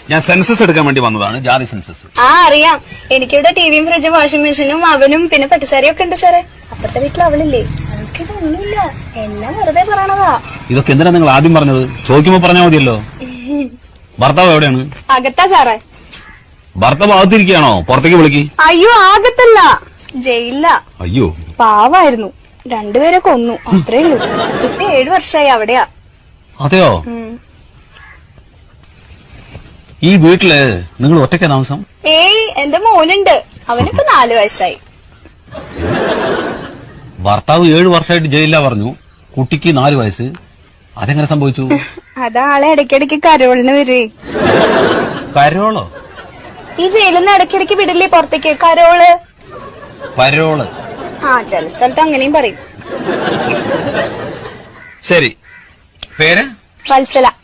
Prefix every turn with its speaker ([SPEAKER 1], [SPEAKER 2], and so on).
[SPEAKER 1] ഞാൻ സെൻസസ് എടുക്കാൻ വേണ്ടി വന്നതാണ്, ജാതി സെൻസസ്.
[SPEAKER 2] ആ അറിയാം, എനിക്കിവിടെ ടിവിയും ഫ്രിഡ്ജും വാഷിംഗ് മെഷീനും അവനും പിന്നെ പട്ടുസാരിയും ഒക്കെ ഉണ്ട് സാറേ. അപ്പുറത്തെ വീട്ടിൽ അവളില്ലേ, അവൾക്കിതൊന്നുമില്ല, എല്ലാം വെറുതെ പറയണതാ.
[SPEAKER 1] ഇതൊക്കെ എന്തിനാ നിങ്ങൾ ആദ്യം പറഞ്ഞത്? ചോദിക്കുമ്പോ പറഞ്ഞാൽ മതിയല്ലോ. ഭർത്താവ് എവിടെയാണ്?
[SPEAKER 2] അകത്താ സാറേ.
[SPEAKER 1] ഭർത്താവ് അകത്തിരിക്കുകയാണോ? പുറത്തേക്ക് വിളിക്ക്.
[SPEAKER 2] അയ്യോ അകത്തല്ല, ജയിലില്ല.
[SPEAKER 1] അയ്യോ
[SPEAKER 2] പാവായിരുന്നു, രണ്ടുപേരെ കൊന്നു, അത്രേ ഉള്ളൂ. ഇപ്പൊ 7 വർഷമായി അവിടെയാ.
[SPEAKER 1] അതെയോ? ഈ വീട്ടില് നിങ്ങൾ ഒറ്റയ്ക്ക് താമസം?
[SPEAKER 2] ഏയ് എന്റെ മോനുണ്ട്, അവനിപ്പോ 4 വയസ്സായി.
[SPEAKER 1] ഭർത്താവ് 7 വർഷമായിട്ട് ജയിലിലാ പറഞ്ഞു, കുട്ടിക്ക് 4 വയസ്സ്. അതെങ്ങനെ സംഭവിച്ചു?
[SPEAKER 2] അതാളെ ഇടയ്ക്കിടയ്ക്ക് കരോളിന് വരുവേ.
[SPEAKER 1] കരോളോ?
[SPEAKER 2] ഈ ജയിലിൽ നിന്ന് ഇടയ്ക്കിടയ്ക്ക് വിടില്ലേ പുറത്തേക്ക്, കരോള്.
[SPEAKER 1] പരോള്?
[SPEAKER 2] ആ ചില സ്ഥലത്ത് അങ്ങനെയും പറയും.
[SPEAKER 1] ശരി, പേര്?
[SPEAKER 2] വത്സല.